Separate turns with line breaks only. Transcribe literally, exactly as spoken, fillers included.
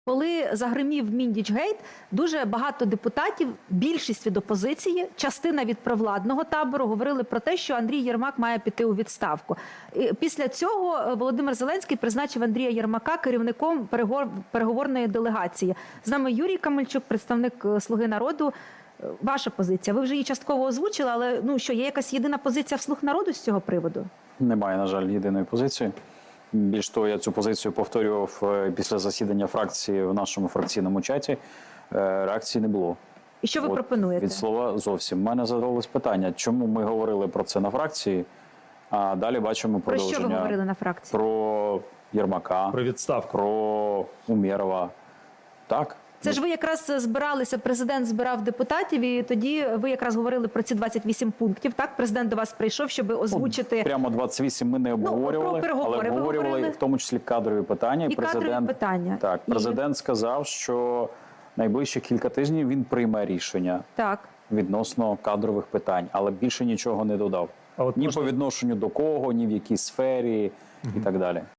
Коли загримів Міндічгейт, дуже багато депутатів, більшість від опозиції, частина від провладного табору говорили про те, що Андрій Єрмак має піти у відставку. І після цього Володимир Зеленський призначив Андрія Єрмака керівником переговорної делегації. З нами Юрій Камельчук, представник «Слуги народу». Ваша позиція. Ви вже її частково озвучили, але ну що, є якась єдина позиція в «Слуг народу» з цього приводу? Немає, на жаль, єдиної позиції. Більш того, я цю позицію повторював після засідання фракції в нашому фракційному чаті. Реакції не було. І що ви От, пропонуєте? Від слова зовсім. У мене задалось питання, чому ми говорили про це на фракції, а далі бачимо продовження. Про що ви говорили на фракції? Про Єрмака, про відставку, про Умєрова. Так. Це ж ви якраз збиралися, президент збирав депутатів, і тоді ви якраз говорили про ці двадцять вісім пунктів, так? Президент до вас прийшов, щоб озвучити... Ну, прямо двадцять вісім ми не обговорювали, ну, але обговорювали в тому числі кадрові питання. І президент, кадрові питання. Так, президент і... сказав, що найближчі кілька тижнів він прийме рішення так. відносно кадрових питань, але більше нічого не додав. А от ні можна... по відношенню до кого, ні в якій сфері угу. і так далі.